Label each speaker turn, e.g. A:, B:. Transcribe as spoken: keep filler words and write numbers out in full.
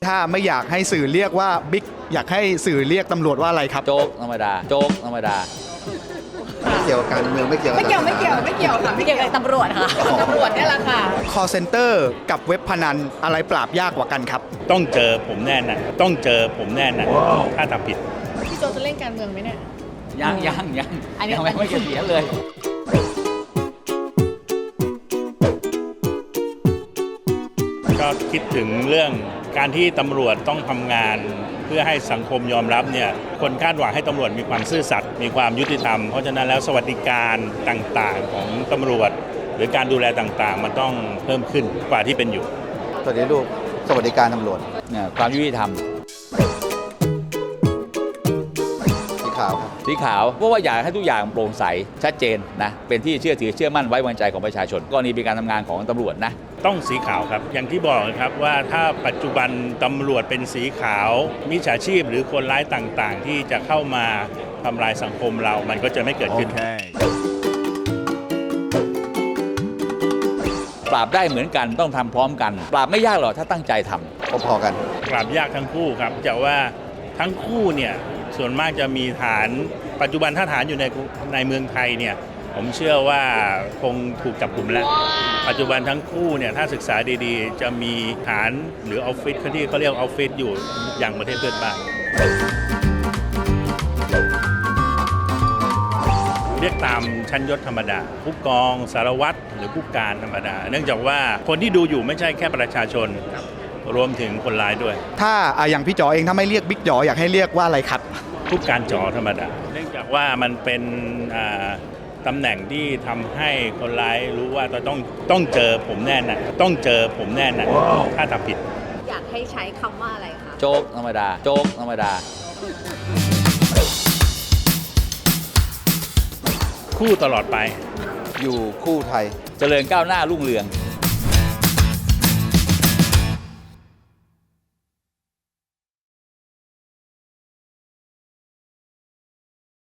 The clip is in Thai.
A: ถ้าไม่อยากให้สื่อเรียกว่าบิ๊กอยากให้สื่อเรียกตำรวจว่าอะไรครับ
B: โจ๊กธรรมดาโจ๊กธรรมดา
C: ไม่เกี่ยวกับการเมืองไม่เกี่ยว
D: ไม่เกี่ยวไม่เกี่ยวไม่เกี่ยวค่ะไม่เกี่ยวกับตำรวจค่ะตำรวจนี่แหละค่ะ
A: call center กับเว็บพนันอะไรปราบยากกว่ากันครับ
E: ต้องเจอผมแน่นะต้องเจอผมแน่นะถ้าทำผิด
D: พี่โจจะเล่นการเมืองไหมเนี่ย
B: ยังยังยัง
D: อันนี้
B: ยังไม่ไม่เกษียณเลย
E: ก็คิดถึงเรื่องการที่ตำรวจต้องทำงานเพื่อให้สังคมยอมรับเนี่ยคนคาดหวังให้ตำรวจมีความซื่อสัตย์มีความยุติธรรมเพราะฉะนั้นแล้วสวัสดิการต่างๆของตำรวจหรือการดูแลต่างๆมันต้องเพิ่มขึ้นกว่าที่เป็นอยู่
C: ตอนนี้ลูกสวัสดิการตำรวจ
B: เนี่ยความยุติธรรม
C: สีขาวครับ
B: สีขาวเพราะว่าอยากให้ทุกอย่างโปร่งใสชัดเจนนะเป็นที่เชื่อถือเชื่อมั่นไว้วางใจของประชาชนกรณีเป็นการทำงานของตำรวจนะ
E: ต้องสีขาวครับอย่างที่บอกครับว่าถ้าปัจจุบันตำรวจเป็นสีขาวมิจฉาชีพหรือคนร้ายต่างๆที่จะเข้ามาทำลายสังคมเรามันก็จะไม่เกิดขึ้น okay.
B: ปราบได้เหมือนกันต้องทำพร้อมกันปราบไม่ยากหรอกถ้าตั้งใจท
C: ำพอๆกัน
E: ปราบยากทั้งคู่ครับแต่ว่าทั้งคู่เนี่ยส่วนมากจะมีฐานปัจจุบันถ้าฐานอยู่ในในเมืองไทยเนี่ยผมเชื่อว่าคงถูกจับกลุ่มแล้ว wow. ปัจจุบันทั้งคู่เนี่ยถ้าศึกษาดีๆจะมีฐานหรือออฟฟิศที่เขาเรียกออฟฟิศอยู่อย่างประเทศเพื่อนบ้านเรียกตามชั้นยศธรรมดาผู้กองสารวัตรหรือผู้การธรรมดาเนื่องจากว่าคนที่ดูอยู่ไม่ใช่แค่ประชาชนรวมถึงคนร้ายด้วย
A: ถ้าอย่างพี่จ๋อเองถ้าไม่เรียกบิ๊กจ๋ออยากให้เรียกว่าอะไรครับ
E: ผู้การจ๋อธรรมดาเนื่องจากว่ามันเป็นตำแหน่งที่ทำให้คนร้ายรู้ว่าต้องต้องเจอผมแน่นะต้องเจอผมแน่นะ wow. ถ้าทำผิด
D: อยากให้ใช้คำว่าอะไรคะ
B: โจ๊กธรรมดาโจ๊กธรรมดา
E: คู่ตลอดไป
C: อยู่คู่ไทย
B: เจริญก้าวหน้ารุ่งเรือง